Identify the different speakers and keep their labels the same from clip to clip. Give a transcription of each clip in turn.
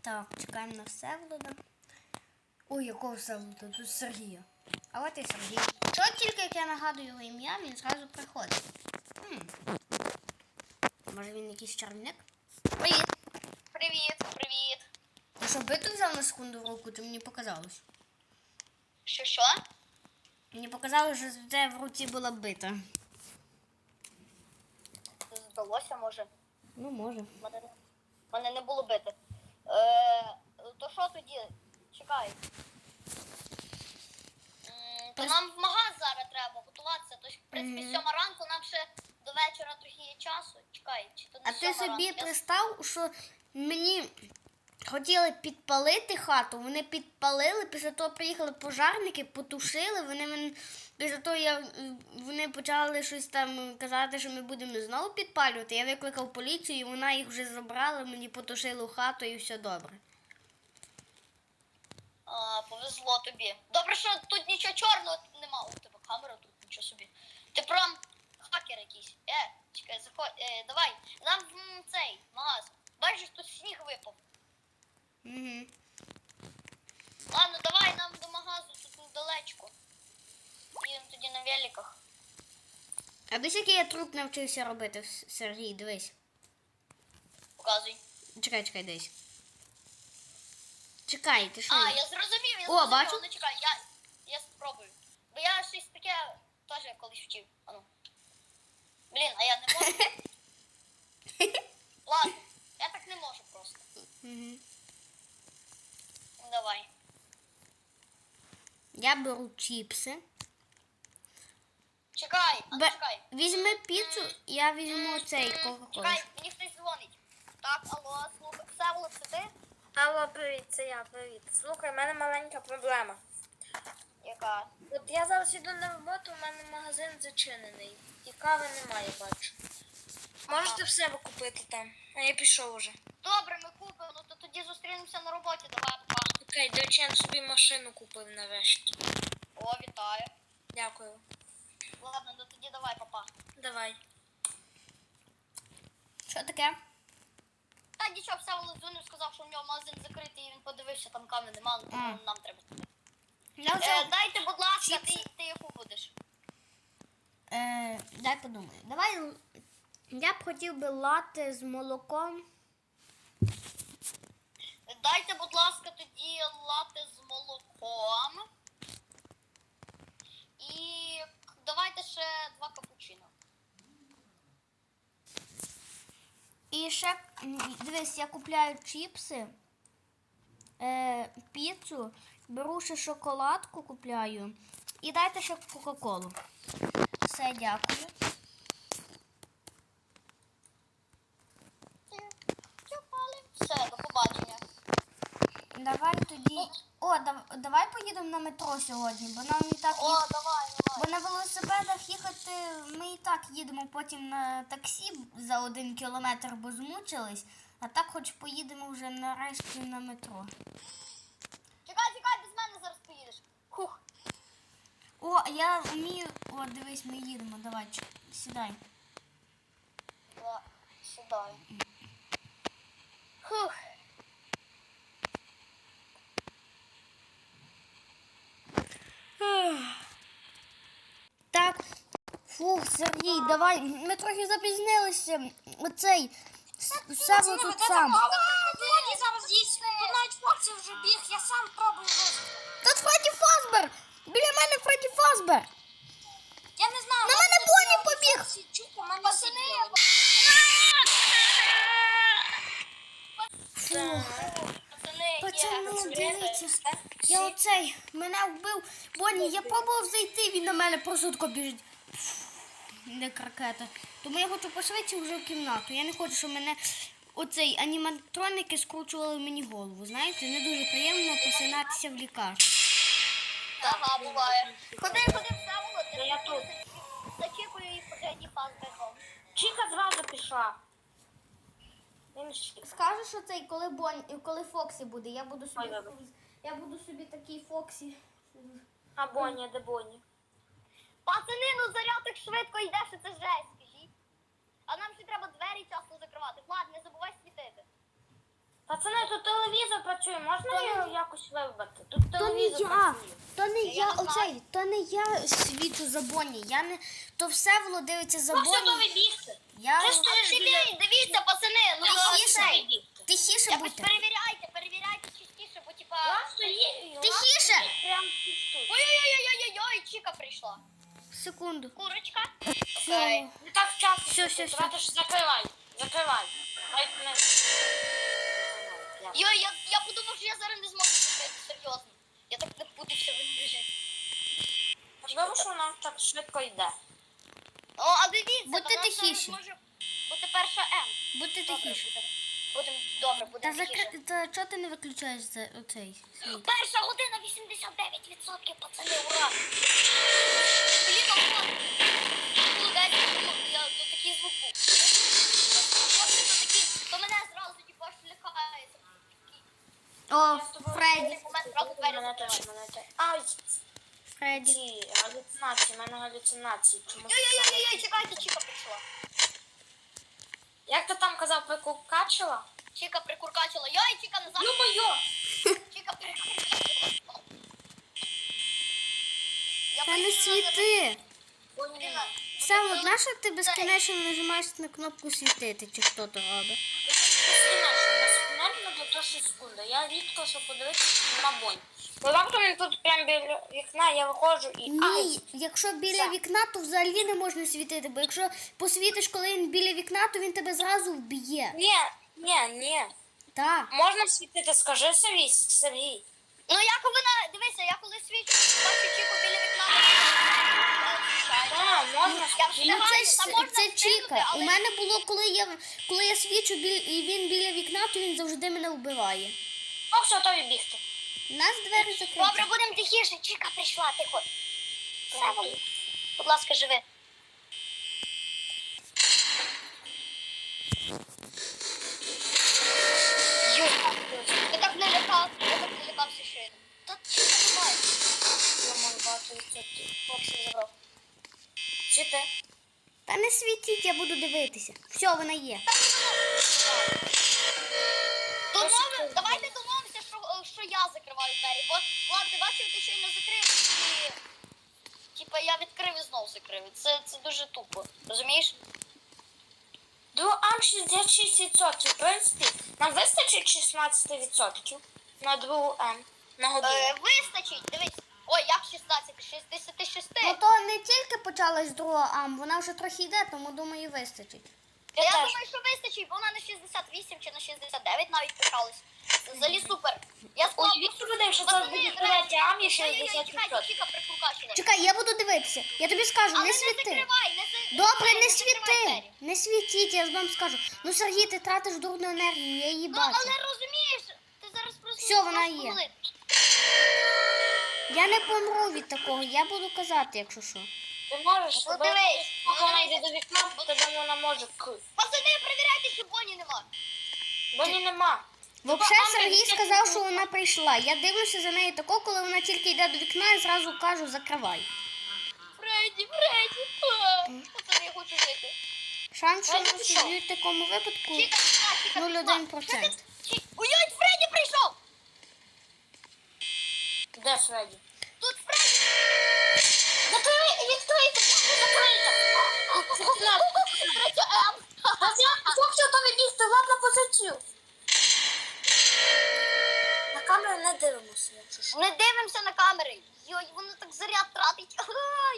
Speaker 1: Так, чекаємо на Всеволода. Ой, якого Всеволода? Тут Сергія. А от і Сергій. Що тільки як я нагадую його ім'я, він зразу приходить. Може він якийсь чарівник? Привіт!
Speaker 2: Привіт.
Speaker 1: Ти що, биту взяв на секунду в руку? Ти мені показалось.
Speaker 2: Що?
Speaker 1: Мені показалось, що в тебе в руці була бита.
Speaker 2: Здалося, може.
Speaker 1: Ну, може.
Speaker 2: Мене не було бити. То що тоді? Чекай. То нам в магаз зараз треба готуватися. Тож, в принципі, 7 ранку нам ще до вечора трохи є часу. Чекай, чи то не
Speaker 1: А ти
Speaker 2: 7
Speaker 1: собі
Speaker 2: ранку?
Speaker 1: пристав, що мені хотіли підпалити хату, вони підпалили, після того приїхали пожарники, потушили, після того вони почали щось там казати, що ми будемо знову підпалювати. Я викликав поліцію, і вона їх вже забрала, мені потушили хату і все добре.
Speaker 2: Повезло тобі. Добре, що тут нічого чорного нема. У тебе камера тут, нічого собі. Ти прям хакер якийсь. Чекай, заходь. Давай. Нам в цей магаз. Бачиш, тут сніг випав.
Speaker 1: Угу.
Speaker 2: Ладно, давай нам до магазу, тут недалечко. Їдемо тоді на великах.
Speaker 1: А десь який я труп навчився робити, Сергій, дивись.
Speaker 2: Показуй.
Speaker 1: Чекай, десь. Чекай, ти що?
Speaker 2: Я зрозумів,
Speaker 1: бачу.
Speaker 2: Ну чекай, я спробую. Бо я щось таке теж колись вчив. Ану. Блін, а я не можу. Ладно, я так не можу просто.
Speaker 1: Угу.
Speaker 2: Давай.
Speaker 1: Я беру чіпси.
Speaker 2: Чекай, чекай.
Speaker 1: Візьми піцу, я візьму цей кока-колу.
Speaker 2: Чекай, мені хтось дзвонить. Так, алло, слухай. Всеволод, це ти?
Speaker 3: Алло, привіт, це я, привіт. Слухай, в мене маленька проблема.
Speaker 2: Яка?
Speaker 3: От я зараз йду на роботу, у мене магазин зачинений. І кави немає, бачу. Можете в себе купити там, а я пішов уже.
Speaker 2: Добре, ми купимо, ну то тоді зустрінемося на роботі, давай, папа.
Speaker 3: Окей, до речі, я собі машину купив нарешті.
Speaker 2: О, вітаю.
Speaker 3: Дякую.
Speaker 2: Ладно, ну тоді давай, папа.
Speaker 3: Давай.
Speaker 1: Що таке?
Speaker 2: Та нічого, Всеволод дзвонив, сказав, що в нього магазин закритий, і він подивився, там кави нема, ну тому нам треба туди. Дайте, будь ласка, ти яку будеш?
Speaker 1: Дай подумаю. Давай, я б хотів би лати з молоком.
Speaker 2: Дайте, будь ласка, тоді лати з молоком. І давайте ще 2 капучино.
Speaker 1: І ще, дивись, я купляю чіпси, піцу, беру ще шоколадку купляю і дайте ще кока-колу. Все, дякую.
Speaker 2: Все, до побачення.
Speaker 1: Давай тоді... давай поїдемо на метро сьогодні, бо нам і так...
Speaker 2: Давай.
Speaker 1: Бо на велосипедах їхати ми і так їдемо потім на таксі за 1 кілометр, бо змучились, а так хоч поїдемо вже нарешті на метро.
Speaker 2: Чекай, без мене зараз поїдеш. Хух.
Speaker 1: Я вмію... дивись, ми їдемо, давай, сідай.
Speaker 2: Сідай. Хух.
Speaker 1: Так, фух, Сергій, давай, ми трохи запізнилися. Оцей, Сево тут сам.
Speaker 3: Тоді зараз їсть, тут навіть Фоксі вже біг, я сам пробую вижити.
Speaker 1: Тут Фредді Фазбер! Біля мене Фредді Фазбер!
Speaker 3: Я не знаю.
Speaker 1: На мене Бонні побіг! Пацани, дивіться, мене вбив Бонні, я пробував зайти, він на мене просто тако біжить. Як ракета. Тому я хочу пошвидше вже в кімнату. Я не хочу, щоб мене аніматроники скручували мені голову. Знаєте, не дуже приємно посинатися в лікарні.
Speaker 2: Ага, буває. Ходи, Всеволод,
Speaker 3: Я тут.
Speaker 2: зачіпую і Фредді Фазбером.
Speaker 3: Чіка зразу пішла.
Speaker 1: Скажеш, що коли Фоксі буде, я буду собі такий Фоксі.
Speaker 3: А Бонні, де Бонні?
Speaker 2: Пацани, ну заряд так швидко йде, що це жесть, скажіть. А нам ще треба двері часто закривати. Влад, не забувай світити.
Speaker 3: Пацани, тут телевізор працює, можна його якось вибрати? Тут
Speaker 1: То не
Speaker 3: телевізор
Speaker 1: я,
Speaker 3: працює.
Speaker 1: то не
Speaker 2: Я
Speaker 1: я,
Speaker 2: не знаю.
Speaker 1: оцей, то не я свічу за Бонні. Я не, то все Вло дивиться за
Speaker 3: Фоксі, то
Speaker 1: Бонні.
Speaker 3: ви бігти.
Speaker 1: Я
Speaker 3: Ти ж
Speaker 2: А дивіться, пацани, ну
Speaker 1: Тихіше.
Speaker 2: цей.
Speaker 1: Тихіше
Speaker 2: Якось
Speaker 1: будьте.
Speaker 2: перевіряйте частіше, бо типа...
Speaker 1: Тихіше.
Speaker 3: Прям тут.
Speaker 2: Ой-ой-ой-ой-ой, Чіка прийшла.
Speaker 1: Секунду.
Speaker 2: Курочка.
Speaker 1: Все.
Speaker 3: Не так часто.
Speaker 1: Все.
Speaker 3: Давайте ж закривай. Закривай. Ай, не.
Speaker 2: Йой, я подумав, що я зараз не зможу зробити, серйозно. Я так не буду все вибіжати.
Speaker 3: Можливо, що вона так швидко йде.
Speaker 2: О, а дивіться,
Speaker 1: Будьте
Speaker 2: то нам зараз
Speaker 1: тихіші.
Speaker 2: може бути перша М.
Speaker 1: Будьте тихіше.
Speaker 2: Добре,
Speaker 1: Та
Speaker 2: будемо тихіше.
Speaker 1: та чого ти не виключаєш за оцей світ?
Speaker 2: Перша година 89%, пацани, ура! Блін, а вот. Молодець, я такий звук був. Ось то такий, то мене зразу типу аж лякає.
Speaker 1: О,
Speaker 2: В
Speaker 1: Фредді.
Speaker 2: момент зразу двері
Speaker 3: Мене теж,
Speaker 2: закривають.
Speaker 3: мене теж. Ай,
Speaker 1: Фредді.
Speaker 3: ці галюцинації, в мене галюцинації. Чому?
Speaker 2: Ой-ой-ой, чекайте, Чіка прийшла.
Speaker 3: Як ти там казав, прикукачила?
Speaker 2: Чіка прикуркачила. Йой, Чіка назад.
Speaker 3: Ну моє!
Speaker 2: Чіка прикуркачила. Я
Speaker 1: Та не
Speaker 2: боюсь, що вона
Speaker 1: світи.
Speaker 2: Блін,
Speaker 1: Все, от нащо ти безкінечно нажимаєш на кнопку світити, чи хто то робить?
Speaker 3: Безкінечно до 6 секунди. Я рідко, щоб подивитися на бонь. Бо раптом він тут прямо біля вікна, я виходжу і...
Speaker 1: Ні, якщо біля вікна, то взагалі не можна світити, бо якщо посвітиш, коли він біля вікна, то він тебе зразу вб'є.
Speaker 3: Ні.
Speaker 1: Так.
Speaker 3: Можна світити, скажи Сергій.
Speaker 2: Ну я коли дивися, я коли свічу, бачу Чіку біля вікна.
Speaker 3: Так, можна
Speaker 2: Я
Speaker 3: світити.
Speaker 1: Ну
Speaker 2: встигаю,
Speaker 1: це,
Speaker 2: та можна
Speaker 1: це
Speaker 2: встигнути,
Speaker 1: Чіка.
Speaker 2: але-
Speaker 1: У мене було, коли я свічу і він біля вікна, то він завжди мене вбиває.
Speaker 3: Фоксі, готові бігти.
Speaker 1: У нас двері закриті.
Speaker 2: Добре, будемо тихіше. Чіка прийшла, тихо. Все, будь ласка, живи. Я так не лякався щойно. Та Чіка немає.
Speaker 3: Я можу бачити.
Speaker 2: Фоксі забрав.
Speaker 3: Світи.
Speaker 1: Та не світіть, я буду дивитися. Все, вона є.
Speaker 2: Давайте домовимося, що я закриваю двері. Бо, Влад, ти бачив, ти щойно закрив і... Типа я відкрив і знов закрив. Це дуже тупо. Розумієш?
Speaker 3: До Ам 66%. В принципі, нам вистачить 16% на 2 М на годину.
Speaker 2: Вистачить, дивись. Ой, як 16? 66.
Speaker 1: Ну то не тільки почалась друга ам, вона вже трохи йде, тому думаю, вистачить.
Speaker 2: Я
Speaker 3: теж.
Speaker 2: думаю, що вистачить, бо вона на 68 чи на 69 навіть почалась. Це взагалі супер. Я
Speaker 3: Ой,
Speaker 2: спробую.
Speaker 3: Віктор Вадим, що
Speaker 2: Пацани,
Speaker 3: це буде
Speaker 2: давай.
Speaker 3: 3 Ам і
Speaker 2: Чекайте,
Speaker 3: 60%.
Speaker 2: Чіка прикуркачила.
Speaker 1: Чекай, я буду дивитися. Я тобі скажу,
Speaker 2: Але
Speaker 1: не
Speaker 2: не
Speaker 1: світи.
Speaker 2: закривай,
Speaker 1: Добре, не
Speaker 2: закривай
Speaker 1: світи.
Speaker 2: двері.
Speaker 1: Не світіть, я вам скажу. Ну, Сергій, ти тратиш дурну енергію, я її
Speaker 2: Ну,
Speaker 1: бачу.
Speaker 2: але розумієш, ти зараз просто...
Speaker 1: Всьо, вона
Speaker 2: можеш
Speaker 1: є.
Speaker 2: помилитися.
Speaker 1: Я не помру від такого, я буду казати, якщо що.
Speaker 3: Ти можеш,
Speaker 2: Ну,
Speaker 3: бо
Speaker 2: дивись.
Speaker 3: поки вона йде до вікна, тоді вона може
Speaker 2: Пацани, перевіряйте, що Бонні нема.
Speaker 3: Бо ні нема.
Speaker 1: Взагалі,
Speaker 3: Ам,
Speaker 1: Сергій
Speaker 3: я
Speaker 1: сказав,
Speaker 3: не
Speaker 1: що вона прийшла. Я дивлюся за нею тако, коли вона тільки йде до вікна і зразу кажу, закривай.
Speaker 2: Фредді. Пацани, я хочу жити.
Speaker 1: Шанс, що
Speaker 3: Фредді
Speaker 1: нас
Speaker 3: пішов.
Speaker 1: вб'ють в такому випадку
Speaker 2: Чіка, Чіка,
Speaker 1: 0,1%.
Speaker 2: Ой, Фредді прийшов!
Speaker 3: Де Фредді?
Speaker 2: Тут Фредді!
Speaker 3: Відкрийте!
Speaker 2: Третя М!
Speaker 3: Фоксі, готові бігти, лап на позицію. На камеру не дивимося, якщо що.
Speaker 2: Не дивимося на камери. Йой, воно так заряд тратить. Ай!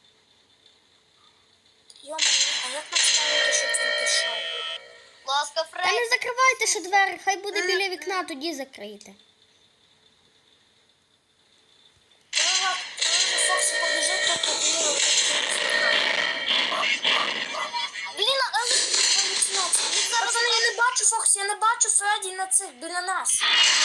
Speaker 3: Йома, а як нам ставити, щоб він пішов?
Speaker 2: Будь ласка,
Speaker 1: Та не
Speaker 2: Фредді.
Speaker 1: закривайте ще двері, хай буде біля вікна, тоді закрийте.
Speaker 3: Коли Фоксі побіжить, то тоді
Speaker 2: Блін, але...
Speaker 3: Пацани, я не бачу Фоксі, я не бачу Фредді на цих, біля нас.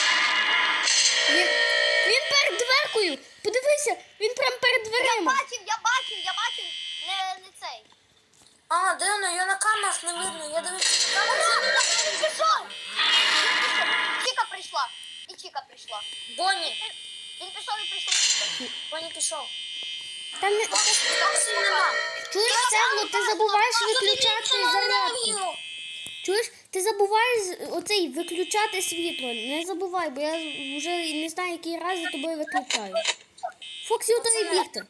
Speaker 1: Він перед дверкою. Подивися, він прямо перед
Speaker 2: Я
Speaker 1: дверима.
Speaker 2: бачив. Не цей.
Speaker 3: А, дивно, його на камерах не видно, я дивлюся на камерах.
Speaker 2: Він пішов! Чіка прийшла. І Чіка прийшла.
Speaker 3: Бонні,
Speaker 2: Він пішов і прийшов.
Speaker 3: Бонні пішов.
Speaker 1: Та не...
Speaker 3: Фоксі нема.
Speaker 1: Чуєш, Севло, ти забуваєш виключати зарядку. Чуєш, Ти забуваєш оцей виключати світло. Не забувай, бо я вже не знаю, який раз за тобою виключаю. Фоксі, готовий бігти.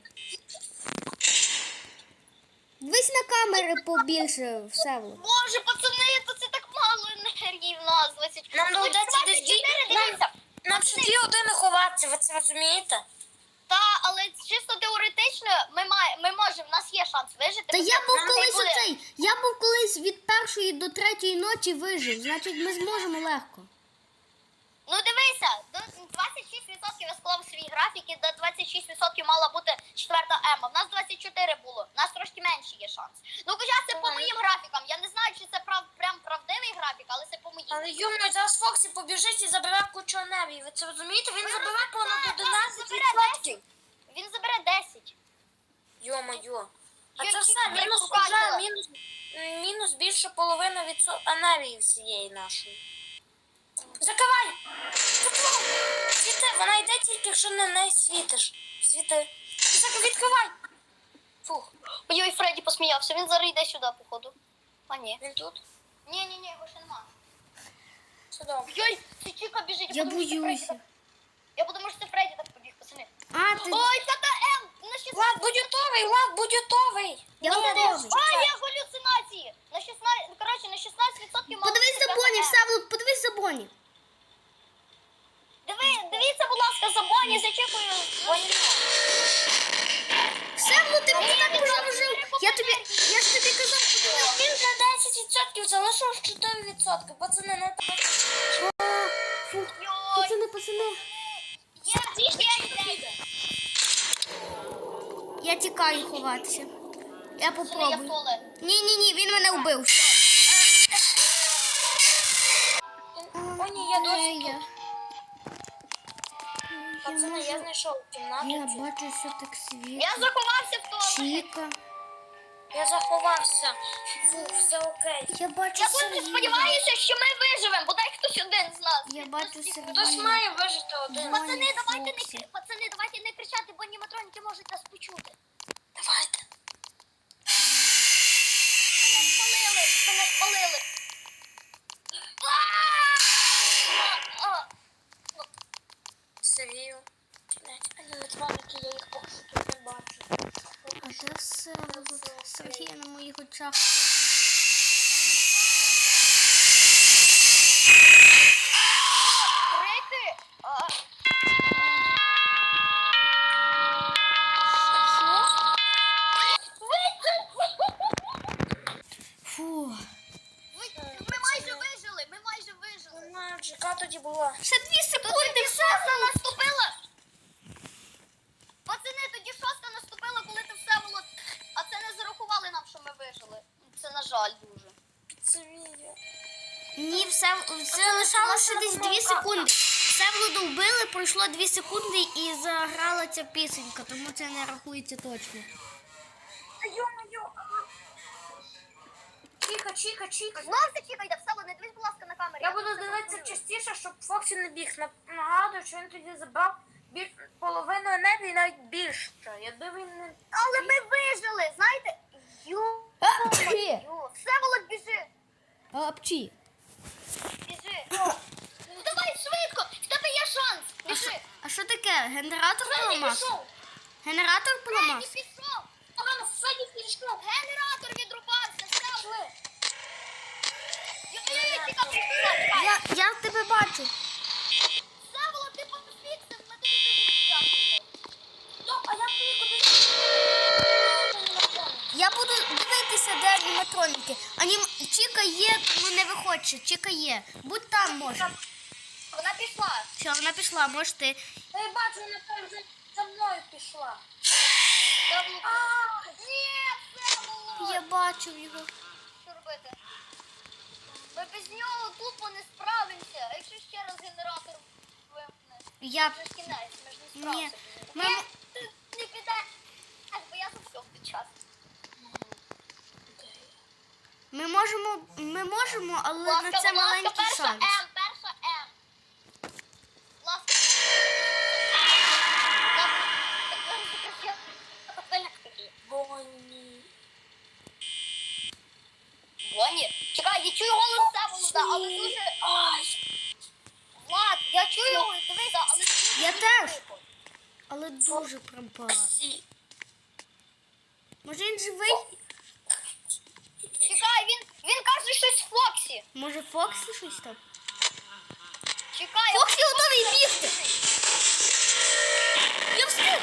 Speaker 1: Дивись на камери побільше, Всеволод.
Speaker 2: Боже, пацани, то це так мало енергії в нас. 20.
Speaker 3: Нам доведеться десь
Speaker 2: 24, дивіться.
Speaker 3: Нам ще 2 години ховатися, ви це розумієте?
Speaker 2: Та, але чисто теоретично ми можемо, в нас є шанс вижити.
Speaker 1: Та
Speaker 2: бо
Speaker 1: я був
Speaker 2: нам не
Speaker 1: колись
Speaker 2: буде-
Speaker 1: оцей. Я був колись від 1 до 3 ночі вижив. Значить, ми зможемо легко.
Speaker 2: Ну дивися, до 26% я склав свій графік, і до 26% мала бути 4 Ема. В нас 24 було, в нас трошки менший є шанс. Ну хоча це по моїм графікам. Я не знаю, чи це прям правдивий графік, але це по моїм.
Speaker 3: Але Юмно, зараз Фоксі побіжить і забере кучу енергії. Ви це розумієте? Він забере понад 11%.
Speaker 2: Він забере 10.
Speaker 3: Йо-моє. А
Speaker 2: Я
Speaker 3: це
Speaker 2: тільки
Speaker 3: все, мінус
Speaker 2: побачила.
Speaker 3: вже, мінус більше половини від енергії всієї нашої. Закривай! Закривай! Світи, вона йде тільки, якщо на неї світиш. Світи. Відкривай! Фух,
Speaker 2: Ой, Фредді посміявся, він зараз йде сюди, походу. А ні.
Speaker 3: він тут?
Speaker 2: Ні, його ще нема.
Speaker 3: Все добре.
Speaker 2: Йой, це Чіка біжить.
Speaker 1: Я
Speaker 2: подумав, що це Фредді
Speaker 1: боюся.
Speaker 2: так- Я подумав, що це Фредді так побіг, пацани.
Speaker 1: А, ти...
Speaker 2: Ой, це та М! На 16...
Speaker 3: Влад, будь готовий, Влад, будь готовий!
Speaker 1: Я
Speaker 3: Ні,
Speaker 1: готовий.
Speaker 2: А, є галюцинації! На 16, коротше, на 16% мало
Speaker 1: Подивись
Speaker 2: бути
Speaker 1: за Бонні,
Speaker 2: М.
Speaker 1: Всеволод, подивись за Бонні.
Speaker 2: Дивіться, будь ласка, за Бонні, зачекую.
Speaker 1: Всеволод, ти мені так пожив. Я ж тобі казав, подивись.
Speaker 3: Він за 10% залишив 4%. Пацани, не так.
Speaker 1: Фух,
Speaker 2: Йой,
Speaker 1: пацани.
Speaker 2: є.
Speaker 1: Я тікаю ховатися. Я
Speaker 2: Пацани, я в
Speaker 1: попробую.
Speaker 2: туалет.
Speaker 1: Ні, він мене вбив.
Speaker 3: О, ні, я досі
Speaker 1: Я-
Speaker 3: тут. Пацани, я знайшов кімнату.
Speaker 1: Я
Speaker 3: цю.
Speaker 1: бачу, що так світ.
Speaker 2: Я заховався в туалет.
Speaker 1: Чіка.
Speaker 3: Я заховався. Фух, все окей.
Speaker 1: Я бачу
Speaker 2: Я дуже
Speaker 1: Сергія.
Speaker 2: сподіваюся, що ми виживемо, бодай хтось один з нас.
Speaker 1: Я бачу Сергія.
Speaker 3: Хтось має вижити один.
Speaker 2: Пацани, давайте
Speaker 1: Фоксі.
Speaker 2: давайте не кричати, бо аніматроніки можуть нас почути.
Speaker 3: Давайте.
Speaker 2: Мене спалили. А!
Speaker 3: Сергію. Аніматроники, я їх поки що тут не бачу.
Speaker 1: А де Всеволод? Сергія на моїх очах.
Speaker 2: Крики.
Speaker 1: Фу.
Speaker 2: Ми майже вижили.
Speaker 3: Яка тоді була?
Speaker 1: Ще 2 секунди,
Speaker 2: Шоста наступила. Пацани, тоді шоста наступила, коли ти все було. А це не зарахували нам, що ми вижили. Це на жаль дуже.
Speaker 3: Сергію.
Speaker 1: Ні, все лишалося десь 2 секунди. Всеволода вбили, пройшло 2 секунди і заграла ця пісенька, тому це не рахується точно.
Speaker 3: Йо-моє. Чіка.
Speaker 2: Знов це чекайте, все, не дивись, будь ласка, на камері.
Speaker 3: Я буду дивитися частіше, щоб Фоксі не біг. Нагадую, що він тоді забрав половину енергії, навіть більше. Якби він не...
Speaker 2: Але ми вижили, знаєте? Все, Володь, біжи.
Speaker 1: Апчі.
Speaker 2: Біжи. Ну давай швидко, в тебе є шанс. Біжи.
Speaker 1: А що таке? Генератор
Speaker 2: Фредді
Speaker 1: поламався?
Speaker 2: пішов.
Speaker 1: Генератор
Speaker 2: Фредді
Speaker 1: поламався?
Speaker 2: пішов. Фредді пішов. Генератор відрубався. Все. Я тільки прийшла.
Speaker 1: Я тебе бачу.
Speaker 2: Все, Володь, ти пофіксив, ми тобі дуже дякуємо.
Speaker 3: Стоп, а я
Speaker 1: Я буду дивитися, де аніматроніки. Чіка є, ну не виходь, Чіка є. Будь там, може.
Speaker 2: Вона пішла.
Speaker 1: Все, вона пішла, може ти.
Speaker 3: Я бачу, вона там за мною пішла.
Speaker 2: Ні, все, Володь.
Speaker 1: Я бачив його.
Speaker 2: Що робити? Ми без нього тупо не справимося. А якщо ще раз генератор вимкне?
Speaker 1: Я...
Speaker 2: Це ж кінець, ми ж не
Speaker 1: Ні.
Speaker 2: справимося.
Speaker 1: Ми...
Speaker 2: Ні, ти не піде. Бо я запускав під час.
Speaker 1: Ми можемо, але на це маленький
Speaker 2: перша
Speaker 1: шанс.
Speaker 2: М, перша М. Ласка.
Speaker 3: Бонні.
Speaker 2: Бонні? Чекай, я чую голос Севолода.
Speaker 1: але дуже прям погано.
Speaker 3: Ксі.
Speaker 1: Може він живий?
Speaker 2: Чекай, він каже щось Фоксі.
Speaker 1: Може Фоксі щось там?
Speaker 2: Чекай,
Speaker 1: Фоксі готовий бігти! Я встиг!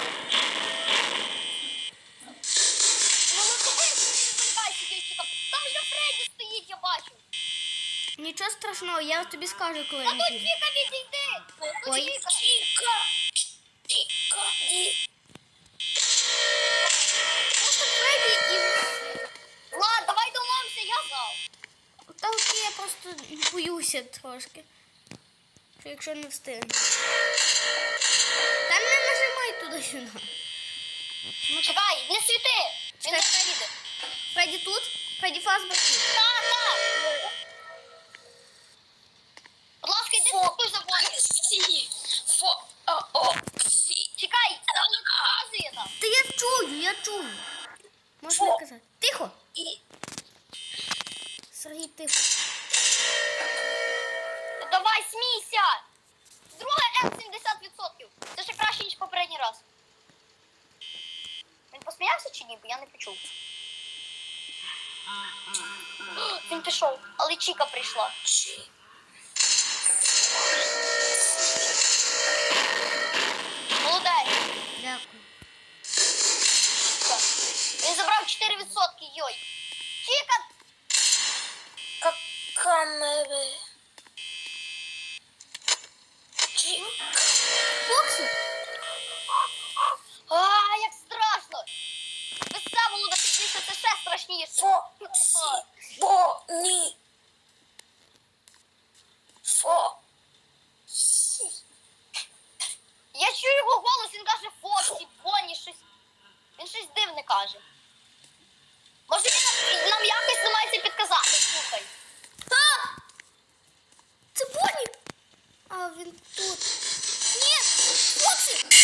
Speaker 2: Ну давай, не відволікайся, дівчинка. Там же Фредді стоїть, я бачу.
Speaker 1: Нічого страшного, я тобі скажу, коли
Speaker 2: Та
Speaker 1: він
Speaker 2: тут
Speaker 1: піде.
Speaker 2: Чіка відійди. Тут
Speaker 1: Ой.
Speaker 2: Чіка.
Speaker 3: Чіка.
Speaker 1: Просто Фредді і...
Speaker 2: Влад, давай домовимося, я знав.
Speaker 1: Та окей, я просто боюся трошки. Що якщо не встигну. Та не нажимай туди-сюди. Ну,
Speaker 2: Чекай, не світи. Він не
Speaker 1: Чекай.
Speaker 2: приїде.
Speaker 1: Фредді тут? Фредді Фазбер тут.
Speaker 2: Так. Будь ласка, йди спокій за Бонні.
Speaker 3: Ксі. Ксі.
Speaker 2: Чекай, там не показує там.
Speaker 1: Та я чую. Можна
Speaker 3: Фу.
Speaker 1: казати. Тихо.
Speaker 3: І
Speaker 1: Сергій, тихо.
Speaker 2: Давай, смійся. Друге М70%. Це ще краще, ніж попередній раз. Він посміявся чи ні? Бо я не почув. Він пішов, але Чіка прийшла.
Speaker 3: Чі.
Speaker 2: Молодець.
Speaker 1: Дякую.
Speaker 2: Він забрав 4%, йой. Чіка!
Speaker 3: Камери. Чіка.
Speaker 1: Фоксі?
Speaker 2: А, як страшно! Без це, Волода, пізніше, це ще страшніше.
Speaker 3: Фоксі. Бонні. Фоксі.
Speaker 2: Я чую його голос, він каже Фоксі, Бонні, щось. Він щось дивне каже. Може він нам якось намагається підказати, слухай.
Speaker 1: А! Це Бонні! А, він тут. Ні! Фоксі!